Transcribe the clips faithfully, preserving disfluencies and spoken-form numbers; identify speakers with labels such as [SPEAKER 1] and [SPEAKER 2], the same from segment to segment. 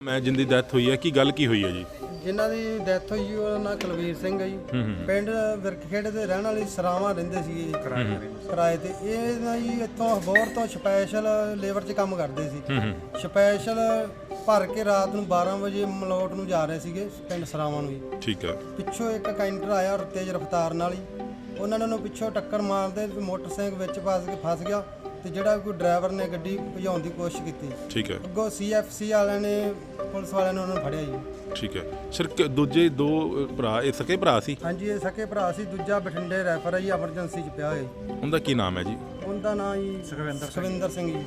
[SPEAKER 1] मैं जिंदी डैथ हुई है कि गल की हुई है जी?
[SPEAKER 2] ਜਿਨ੍ਹਾਂ ਦੀ ਡੈਥ ਹੋਈ ਜੀ ਉਹਦਾ ਨਾਂ ਕੁਲਵੀਰ ਸਿੰਘ ਹੈ ਜੀ। ਪਿੰਡ ਵਿਰਕਖੇੜੇ ਦੇ ਰਹਿਣ ਵਾਲੇ ਸਰਾਵਾਂ ਰਹਿੰਦੇ ਸੀਗੇ ਜੀ ਕਿਰਾਏ ਤੇ। ਇਹ ਨਾ ਜੀ ਇੱਥੋਂ ਅਬੋਹਰ ਤੋਂ ਸਪੈਸ਼ਲ ਲੇਬਰ 'ਚ ਕੰਮ ਕਰਦੇ ਸੀ। ਸਪੈਸ਼ਲ ਭਰ ਕੇ ਰਾਤ ਨੂੰ ਬਾਰਾਂ ਵਜੇ ਮਲੋਟ ਨੂੰ ਜਾ ਰਹੇ ਸੀਗੇ ਪਿੰਡ ਸਰਾਵਾਂ ਨੂੰ ਜੀ।
[SPEAKER 1] ਠੀਕ ਹੈ।
[SPEAKER 2] ਪਿੱਛੋਂ ਇੱਕ ਕੈਂਟਰ ਆਇਆ ਔਰ ਤੇਜ਼ ਰਫ਼ਤਾਰ ਨਾਲ ਹੀ ਉਹਨਾਂ ਨੇ ਉਹਨੂੰ ਪਿੱਛੋਂ ਟੱਕਰ ਮਾਰਦੇ ਮੋਟਰਸਾਈਕਲ ਵਿੱਚ ਫਸ ਕੇ ਫਸ ਗਿਆ ਤੇ ਜਿਹੜਾ ਕੋਈ ਡਰਾਈਵਰ ਨੇ ਗੱਡੀ ਭਜਾਉਣ ਦੀ ਕੋਸ਼ਿਸ਼ ਕੀਤੀ।
[SPEAKER 1] ਠੀਕ ਹੈ।
[SPEAKER 2] ਅੱਗੋਂ ਸੀ ਐਫ ਸੀ ਵਾਲਿਆਂ ਨੇ ਪੁਲਿਸ ਵਾਲਿਆਂ ਨੇ ਉਹਨਾਂ ਨੂੰ ਫੜਿਆ ਜੀ।
[SPEAKER 1] ਠੀਕ ਹੈ ਸਰ। ਦੂਜੇ ਦੋ ਭਰਾ ਇਹ ਸਕੇ ਭਰਾ ਸੀ?
[SPEAKER 2] ਹਾਂਜੀ ਇਹ ਸਕੇ ਭਰਾ ਸੀ। ਦੂਜਾ ਬਠਿੰਡੇ ਰੈਫਰ ਹੈ ਜੀ, ਐਮਰਜੈਂਸੀ 'ਚ ਪਿਆ ਹੋਇਆ ਜੀ।
[SPEAKER 1] ਉਹਦਾ ਕੀ ਨਾਮ ਹੈ ਜੀ?
[SPEAKER 2] ਉਹਦਾ ਨਾਂ ਜੀ ਸੁਖਵਿੰਦਰ ਸੁਖਵਿੰਦਰ ਸਿੰਘ ਜੀ।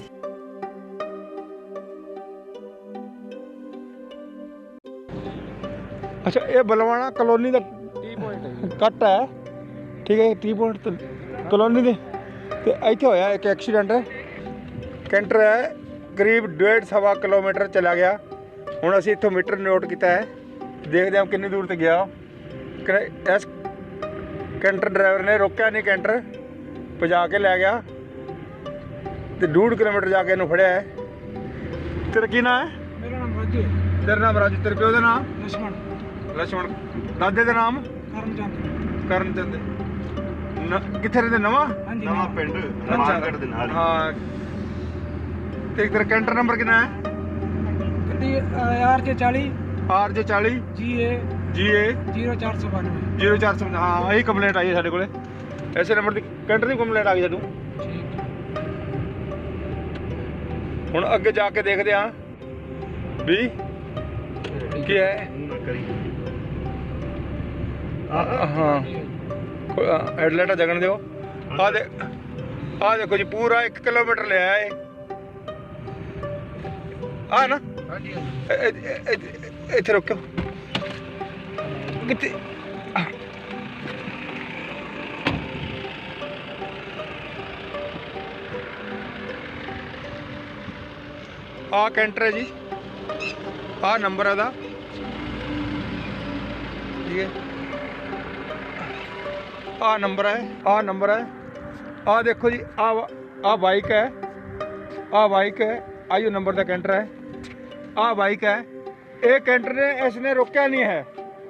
[SPEAKER 3] ਅੱਛਾ ਇਹ ਬਲਵਾਣਾ ਕਲੋਨੀ ਦਾ ਟੀ ਪੁਆਇੰਟ ਹੈ, ਕੱਟ ਹੈ ਠੀਕ ਹੈ। ਟੀ ਪੁਆਇੰਟ ਕਲੋਨੀ ਦੇ ਤੇ ਇੱਥੇ ਹੋਇਆ ਇੱਕ ਐਕਸੀਡੈਂਟ। ਕੈਂਟਰ ਹੈ ਕਰੀਬ ਡੇਢ ਸਵਾ ਕਿਲੋਮੀਟਰ ਚਲਾ ਗਿਆ। ਹੁਣ ਅਸੀਂ ਇੱਥੋਂ ਮੀਟਰ ਨੋਟ ਕੀਤਾ ਹੈ, ਦੇਖਦੇ ਹਾਂ ਕਿੰਨੀ ਦੂਰ ਤੇ ਗਿਆ। ਇਸ ਕੈਂਟਰ ਡਰਾਈਵਰ ਨੇ ਰੋਕਿਆ ਨਹੀਂ, ਕੈਂਟਰ ਭਜਾ ਕੇ ਲੈ ਗਿਆ ਤੇ ਡੂਢ ਕਿਲੋਮੀਟਰ ਜਾ ਕੇ ਇਹਨੂੰ ਫੜਿਆ ਹੈ। ਤੇਰਾ ਕੀ ਨਾਂ ਹੈ?
[SPEAKER 4] ਮੇਰਾ ਨਾਮ ਰਾਜੂ ਹੈ।
[SPEAKER 3] ਤੇਰਾ ਨਾਮ ਰਾਜੂ, ਤੇਰੇ ਪਿਓ ਦਾ ਨਾਮ?
[SPEAKER 4] ਲਛਮਣ।
[SPEAKER 3] ਲਛਮਣ। ਦਾਦੇ ਦਾ ਨਾਮ?
[SPEAKER 4] ਕਰਮਚੰਦ।
[SPEAKER 3] ਕਰਮਚੰਦ। ਨ- ਕਿੱਥੇ ਰਹਿੰਦੇ? ਨਵਾਂ
[SPEAKER 4] ਹਾਂਜੀ
[SPEAKER 5] ਨਵਾਂ ਪਿੰਡ ਰਮਾਨਗੜ੍ਹ ਦੇ ਨਾਲ ਹੀ।
[SPEAKER 3] ਹਾਂ। ਤੇ ਤੇਰਾ ਕੈਂਟਰ ਨੰਬਰ ਕਿੰਨਾ ਹੈ?
[SPEAKER 4] ਗੱਡੀ ਆਰ ਜੇ ਚਾਲੀ
[SPEAKER 3] ਆਰ ਜੇ ਚਾਲੀ
[SPEAKER 4] ਜੀ ਏ
[SPEAKER 3] ਜੀ ਏ
[SPEAKER 4] ਜ਼ੀਰੋ ਚਾਰ ਸੌ ਬਾਨਵੇਂ।
[SPEAKER 3] ਜ਼ੀਰੋ ਚਾਰ ਸੌ। ਹਾਂ ਇਹੀ ਕੰਪਲੇਂਟ ਆਈ ਹੈ ਸਾਡੇ ਕੋਲੇ। ਐਸੇ ਨੰਬਰ ਦੀ ਕੈਂਟਰ ਦੀ ਕੰਪਲੇਂਟ ਆ ਗਈ ਸਾਨੂੰ। ਹੁਣ ਅੱਗੇ ਜਾ ਕੇ ਦੇਖਦੇ ਹਾਂ ਵੀ ਕੀ ਹੈ। ਹਾਂ ਹੈਡਲਾਈਟਾਂ ਜਗਣ ਦਿਓ। ਆ ਦੇ ਆ ਦੇਖੋ ਜੀ ਪੂਰਾ ਇੱਕ ਕਿਲੋਮੀਟਰ ਲਿਆ ਏ ਆ ਨਾ। ਇੱਥੇ ਰੁਕੋ ਕਿੱਥੇ? ਆ ਕੈਂਟਰ ਹੈ ਜੀ, ਆ ਨੰਬਰ ਇਹਦਾ ਠੀਕ ਹੈ। ਆ ਨੰਬਰ ਹੈ, ਆ ਨੰਬਰ ਹੈ। ਆ ਦੇਖੋ ਜੀ ਆ ਆ ਬਾਈਕ ਹੈ, ਆ ਬਾਈਕ ਹੈ। ਆਈਓ ਨੰਬਰ ਦਾ ਕੈਂਟਰ ਹੈ। ਆ ਬਾਈਕ ਹੈ। ਇਹ ਕੈਂਟਰ ਨੇ ਇਸ ਨੇ ਰੋਕਿਆ ਨਹੀਂ ਹੈ,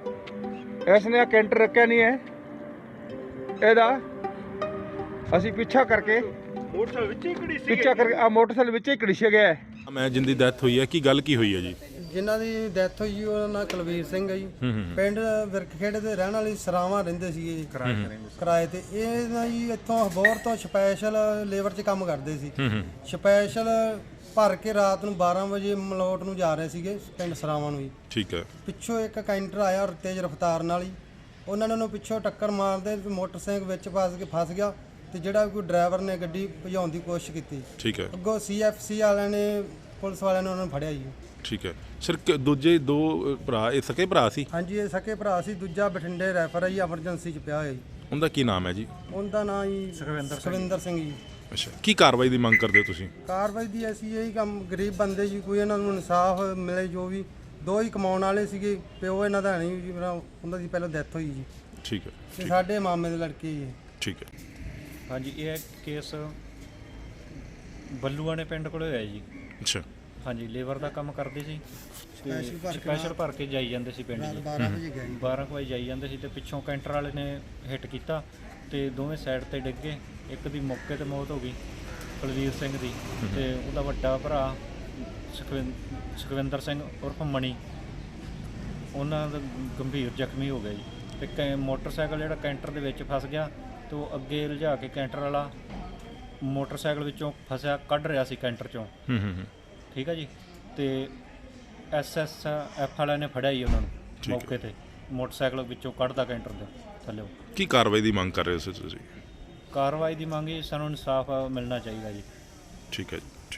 [SPEAKER 3] ਇਸ ਨੇ ਕੈਂਟਰ ਰੋਕਿਆ ਨਹੀਂ ਹੈ। ਇਹਦਾ ਅਸੀਂ ਪਿੱਛਾ ਕਰਕੇ
[SPEAKER 5] ਮੋਟਰਸਾਈਕਲ ਵਿੱਚ ਹੀ ਖੜੀ ਸੀ।
[SPEAKER 3] ਪਿੱਛਾ ਕਰਕੇ ਆ ਮੋਟਰਸਾਈਕਲ ਵਿੱਚ ਹੀ ਘੜੀਸ਼ਿਆ ਗਿਆ ਹੈ।
[SPEAKER 1] मैं जिंदी डैथ हुई है कि गल की हुई है जी?
[SPEAKER 2] ਜਿਨ੍ਹਾਂ ਦੀ ਡੈਥ ਹੋਈ ਜੀ ਉਹਦਾ ਨਾਂ ਕੁਲਵੀਰ ਸਿੰਘ ਹੈ ਜੀ। ਪਿੰਡ ਵਿਰਕਖੇੜੇ ਦੇ ਰਹਿਣ ਵਾਲੇ ਸਰਾਵਾਂ ਰਹਿੰਦੇ ਸੀਗੇ ਜੀ ਕਿਰਾਏ ਤੇ। ਇਹ ਨਾ ਜੀ ਇੱਥੋਂ ਅਬੋਹਰ ਤੋਂ ਸਪੈਸ਼ਲ ਲੇਬਰ 'ਚ ਕੰਮ ਕਰਦੇ ਸੀ। ਸਪੈਸ਼ਲ ਭਰ ਕੇ ਰਾਤ ਨੂੰ ਬਾਰਾਂ ਵਜੇ ਮਲੋਟ ਨੂੰ ਜਾ ਰਹੇ ਸੀਗੇ ਪਿੰਡ ਸਰਾਵਾਂ ਨੂੰ ਜੀ।
[SPEAKER 1] ਠੀਕ ਹੈ।
[SPEAKER 2] ਪਿੱਛੋਂ ਇੱਕ ਕੈਂਟਰ ਆਇਆ ਔਰ ਤੇਜ਼ ਰਫ਼ਤਾਰ ਨਾਲ ਹੀ ਉਹਨਾਂ ਨੇ ਉਹਨੂੰ ਪਿੱਛੋਂ ਟੱਕਰ ਮਾਰਦੇ ਮੋਟਰਸਾਈਕਲ ਵਿੱਚ ਫਸ ਕੇ ਫਸ ਗਿਆ ਤੇ ਜਿਹੜਾ ਕੋਈ ਡਰਾਈਵਰ ਨੇ ਗੱਡੀ ਭਜਾਉਣ ਦੀ ਕੋਸ਼ਿਸ਼ ਕੀਤੀ।
[SPEAKER 1] ਠੀਕ ਹੈ।
[SPEAKER 2] ਅੱਗੋਂ ਸੀ ਐਫ ਸੀ ਵਾਲਿਆਂ ਨੇ ਪੁਲਿਸ ਵਾਲਿਆਂ ਨੇ ਉਹਨਾਂ ਨੂੰ ਫੜਿਆ ਜੀ।
[SPEAKER 1] ਠੀਕ ਹੈ ਸਰ। ਦੂਜੇ ਦੋ ਭਰਾ ਇਹ ਸਕੇ ਭਰਾ ਸੀ?
[SPEAKER 2] ਹਾਂਜੀ ਇਹ ਸਕੇ ਭਰਾ ਸੀ। ਦੂਜਾ ਬਠਿੰਡੇ ਰੈਫਰ ਹੈ ਜੀ, ਐਮਰਜੈਂਸੀ 'ਚ ਪਿਆ ਹੋਇਆ ਜੀ।
[SPEAKER 1] ਉਹਦਾ ਕੀ ਨਾਮ ਹੈ ਜੀ?
[SPEAKER 2] ਉਹਦਾ ਨਾਂ ਜੀ
[SPEAKER 4] ਸੁਖਵਿੰਦਰ
[SPEAKER 2] ਸੁਖਵਿੰਦਰ ਸਿੰਘ ਜੀ।
[SPEAKER 1] ਅੱਛਾ। ਕੀ ਕਾਰਵਾਈ ਦੀ ਮੰਗ ਕਰਦੇ ਹੋ ਤੁਸੀਂ?
[SPEAKER 2] ਕਾਰਵਾਈ ਦੀ ਅਸੀਂ ਇਹੀ ਕੰਮ, ਗਰੀਬ ਬੰਦੇ ਜੀ, ਕੋਈ ਇਹਨਾਂ ਨੂੰ ਇਨਸਾਫ ਮਿਲੇ। ਜੋ ਵੀ ਦੋ ਹੀ ਕਮਾਉਣ ਵਾਲੇ ਸੀਗੇ, ਪਿਓ ਇਹਨਾਂ ਦਾ ਨਹੀਂ ਜੀ, ਉਹਨਾਂ ਦੀ ਪਹਿਲਾਂ ਡੈਥ ਹੋਈ ਜੀ।
[SPEAKER 1] ਠੀਕ ਹੈ।
[SPEAKER 2] ਤੇ ਸਾਡੇ ਮਾਮੇ ਦੇ ਲੜਕੇ ਜੀ।
[SPEAKER 1] ਠੀਕ ਹੈ।
[SPEAKER 6] ਹਾਂਜੀ ਇਹ ਕੇਸ ਬੱਲੂਆਣੇ ਪਿੰਡ ਕੋਲ ਹੋਇਆ ਜੀ।
[SPEAKER 1] ਅੱਛਾ।
[SPEAKER 6] ਹਾਂਜੀ ਲੇਬਰ ਦਾ ਕੰਮ ਕਰਦੇ ਸੀ ਤੇ
[SPEAKER 2] ਸਪੈਸ਼ਲ ਭਰ ਕੇ
[SPEAKER 6] ਸਪੈਸ਼ਲ ਭਰ ਕੇ ਜਾਈ ਜਾਂਦੇ ਸੀ ਪਿੰਡ
[SPEAKER 2] ਰਾਤ
[SPEAKER 6] ਜੀ।
[SPEAKER 2] ਬਾਰਾਂ ਵਜੇ ਗਿਆ ਜੀ।
[SPEAKER 6] ਬਾਰਾਂ ਕੁ ਵਜੇ ਜਾਈ ਜਾਂਦੇ ਸੀ ਤੇ ਪਿੱਛੋਂ ਕੈਂਟਰ ਵਾਲੇ ਨੇ ਹਿੱਟ ਕੀਤਾ ਤੇ ਦੋਵੇਂ ਸਾਈਡ ਤੇ ਡਿੱਗ ਗਏ। ਇੱਕ ਦੀ ਮੌਕੇ ਤੇ ਮੌਤ ਹੋ ਗਈ ਕੁਲਵੀਰ ਸਿੰਘ ਦੀ, ਤੇ ਉਹਦਾ ਵੱਡਾ ਭਰਾ ਸੁਖਵਿੰ ਸੁਖਵਿੰਦਰ ਸਿੰਘ ਉਰਫ ਮਣੀ, ਉਹਨਾਂ ਦਾ ਗੰਭੀਰ ਜ਼ਖਮੀ ਹੋ ਗਿਆ ਜੀ। ਤੇ ਕੈ ਮੋਟਰਸਾਈਕਲ ਜਿਹੜਾ ਕੈਂਟਰ ਦੇ ਵਿੱਚ ਫਸ ਗਿਆ ਤੇ ਉਹ ਅੱਗੇ ਲਿਜਾ ਕੇ ਕੈਂਟਰ ਵਾਲਾ ਮੋਟਰਸਾਈਕਲ ਵਿੱਚੋਂ ਫਸਿਆ ਕੱਢ ਰਿਹਾ ਸੀ ਕੈਂਟਰ 'ਚੋਂ।
[SPEAKER 1] ਹੂੰ ਹੂੰ ਹੂੰ।
[SPEAKER 6] ਠੀਕ ਹੈ ਜੀ। ਤੇ ਐਸ ਐਸ ਐਫ ਵਾਲਿਆਂ ਨੇ ਫੜਿਆ ਜੀ ਉਹਨਾਂ ਨੂੰ
[SPEAKER 1] ਹੈ।
[SPEAKER 6] ਮੌਕੇ ਤੇ, ਮੋਟਰਸਾਈਕਲ ਵਿੱਚੋਂ ਕੱਢਦਾ ਕੈਂਟਰ ਦੇ ਥੱਲੇ।
[SPEAKER 1] ਕੀ ਕਾਰਵਾਈ ਦੀ ਮੰਗ ਕਰ ਰਹੇ ਹੋ ਤੁਸੀਂ?
[SPEAKER 6] ਕਾਰਵਾਈ ਦੀ ਮੰਗ ਜੀ, ਸਾਨੂੰ ਇਨਸਾਫ ਮਿਲਣਾ ਚਾਹੀਦਾ ਜੀ।
[SPEAKER 1] ਠੀਕ ਹੈ ਜੀ। ਠੀਕ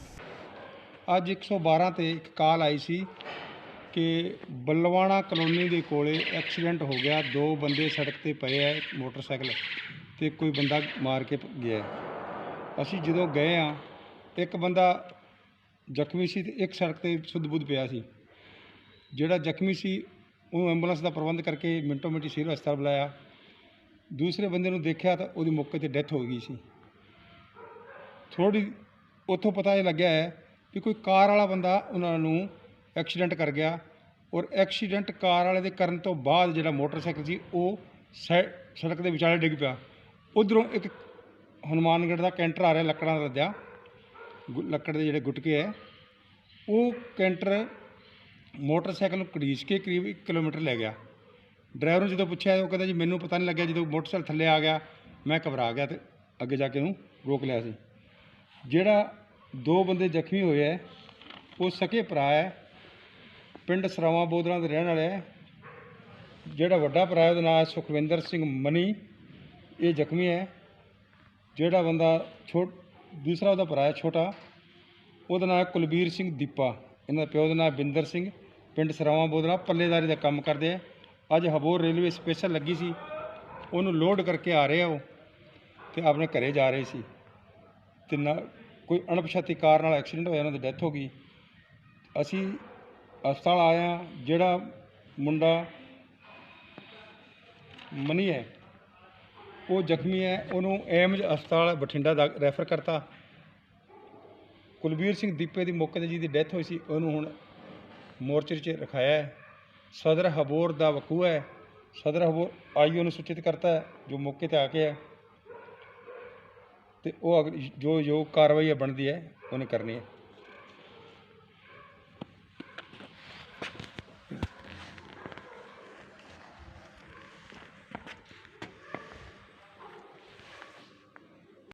[SPEAKER 1] ਹੈ।
[SPEAKER 3] ਅੱਜ ਇੱਕ ਸੌ ਬਾਰਾਂ 'ਤੇ ਇੱਕ ਕਾਲ ਆਈ ਸੀ ਕਿ ਬੱਲਵਾਣਾ ਕਲੋਨੀ ਦੇ ਕੋਲੇ ਐਕਸੀਡੈਂਟ ਹੋ ਗਿਆ। ਦੋ ਬੰਦੇ ਸੜਕ ਤੇ ਪਏ ਹੈ ਮੋਟਰਸਾਈਕਲ ਤੇ ਕੋਈ ਬੰਦਾ ਮਾਰ ਕੇ ਗਿਆ। ਅਸੀਂ ਜਦੋਂ ਗਏ ਆ, ਇੱਕ ਬੰਦਾ ਜ਼ਖਮੀ ਸੀ ਤੇ ਇੱਕ ਸੜਕ ਤੇ ਸੁੱਧ-ਬੁੱਧ ਪਿਆ ਸੀ। ਜਿਹੜਾ ਜ਼ਖਮੀ ਸੀ ਉਹਨੂੰ ਐਂਬੂਲੈਂਸ ਦਾ ਪ੍ਰਬੰਧ ਕਰਕੇ ਮਿੰਟੋ ਮਿੰਟੀ ਸਿਵਲ ਹਸਪਤਾਲ ਬੁਲਾਇਆ। ਦੂਸਰੇ ਬੰਦੇ ਨੂੰ ਦੇਖਿਆ ਤਾਂ ਉਹਦੀ ਮੌਕੇ 'ਤੇ ਡੈਥ ਹੋ ਗਈ ਸੀ। ਥੋੜ੍ਹੀ ਉੱਥੋਂ ਪਤਾ ਇਹ ਲੱਗਿਆ ਹੈ ਕਿ ਕੋਈ ਕਾਰ ਵਾਲਾ ਬੰਦਾ ਉਹਨਾਂ ਨੂੰ ਐਕਸੀਡੈਂਟ ਕਰ ਗਿਆ ਔਰ ਐਕਸੀਡੈਂਟ ਕਾਰ ਵਾਲੇ ਦੇ ਕਰਨ ਤੋਂ ਬਾਅਦ ਜਿਹੜਾ ਮੋਟਰਸਾਈਕਲ ਸੀ ਉਹ ਸੈ ਸੜਕ ਦੇ ਵਿਚਾਲੇ ਡਿੱਗ ਪਿਆ। ਉੱਧਰੋਂ ਇੱਕ ਹਨੂੰਮਾਨਗੜ੍ਹ ਦਾ ਕੈਂਟਰ ਆ ਰਿਹਾ ਲੱਕੜਾਂ ਦਾ ਲੱਦਿਆ, ਗੁ- ਲੱਕੜ ਦੇ ਜਿਹੜੇ ਗੁਟਕੇ ਹੈ, ਉਹ ਕੈਂਟਰ ਮੋਟਰਸਾਈਕਲ ਨੂੰ ਘੜੀਸ ਕੇ ਕਰੀਬ ਇੱਕ ਕਿਲੋਮੀਟਰ ਲੈ ਗਿਆ। ਡਰਾਈਵਰ ਨੂੰ ਜਦੋਂ ਪੁੱਛਿਆ ਉਹ ਕਹਿੰਦਾ ਜੀ ਮੈਨੂੰ ਪਤਾ ਨਹੀਂ ਲੱਗਿਆ, ਜਦੋਂ ਮੋਟਰਸਾਈਕਲ ਥੱਲੇ ਆ ਗਿਆ ਮੈਂ ਘਬਰਾ ਗਿਆ ਅਤੇ ਅੱਗੇ ਜਾ ਕੇ ਉਹਨੂੰ ਰੋਕ ਲਿਆ ਸੀ। ਜਿਹੜਾ ਦੋ ਬੰਦੇ ਜ਼ਖਮੀ ਹੋਏ ਹੈ ਉਹ ਸਕੇ ਭਰਾ ਹੈ, ਪਿੰਡ ਸਰਾਵਾਂ ਬੋਦਲਾਂ ਦੇ ਰਹਿਣ ਵਾਲੇ ਹੈ। ਜਿਹੜਾ ਵੱਡਾ ਭਰਾ ਹੈ ਉਹਦਾ ਨਾਮ ਹੈ ਸੁਖਵਿੰਦਰ ਸਿੰਘ ਮਨੀ, ਇਹ ਜ਼ਖਮੀ ਹੈ। ਜਿਹੜਾ ਬੰਦਾ ਛੋ ਦੂਸਰਾ ਉਹਦਾ ਭਰਾ ਹੈ ਛੋਟਾ, ਉਹਦਾ ਨਾਮ ਹੈ ਕੁਲਬੀਰ ਸਿੰਘ ਦੀਪਾ। ਇਹਨਾਂ ਦਾ ਪਿਓ ਦਾ ਨਾਮ ਬਿੰਦਰ ਸਿੰਘ, ਪਿੰਡ ਸਰਾਵਾਂ ਬੋਦਲਾ, ਪੱਲੇਦਾਰੀ ਦਾ ਕੰਮ ਕਰਦੇ ਹੈ। ਅੱਜ ਹਬੋਰ ਰੇਲਵੇ ਸਪੈਸ਼ਲ ਲੱਗੀ ਸੀ, ਉਹਨੂੰ ਲੋਡ ਕਰਕੇ ਆ ਰਹੇ ਆ ਉਹ ਅਤੇ ਆਪਣੇ ਘਰੇ ਜਾ ਰਹੇ ਸੀ ਅਤੇ ਨਾ ਕੋਈ ਅਣਪਛਾਤੀ ਕਾਰ ਨਾਲ ਐਕਸੀਡੈਂਟ ਹੋਇਆ, ਉਹਨਾਂ ਦੀ ਡੈਥ ਹੋ ਗਈ। ਅਸੀਂ ਹਸਪਤਾਲ ਆਏ ਹਾਂ। ਜਿਹੜਾ ਮੁੰਡਾ ਮਨੀ ਹੈ ਉਹ ਜ਼ਖਮੀ ਹੈ, ਉਹਨੂੰ ਏਮਜ ਹਸਪਤਾਲ ਬਠਿੰਡਾ ਦਾ ਰੈਫਰ ਕਰਤਾ। ਕੁਲਬੀਰ ਸਿੰਘ ਦੀਪੇ ਦੀ ਮੌਕੇ 'ਤੇ ਜਿਹਦੀ ਡੈਥ ਹੋਈ ਸੀ ਉਹਨੂੰ ਹੁਣ ਮੋਰਚਰੀ 'ਚ ਰਖਾਇਆ ਹੈ। ਸਦਰ ਹਬੋਰ ਦਾ ਵਕੂਆ ਹੈ, ਸਦਰ ਹਬੋਰ ਆਈਓ ਨੂੰ ਸੂਚਿਤ ਕਰਤਾ ਹੈ ਜੋ ਮੌਕੇ 'ਤੇ ਆ ਕੇ ਹੈ, ਅਤੇ ਉਹ ਅਗ ਜੋ ਜੋ ਕਾਰਵਾਈ ਬਣਦੀ ਹੈ ਉਹਨੇ ਕਰਨੀ ਹੈ।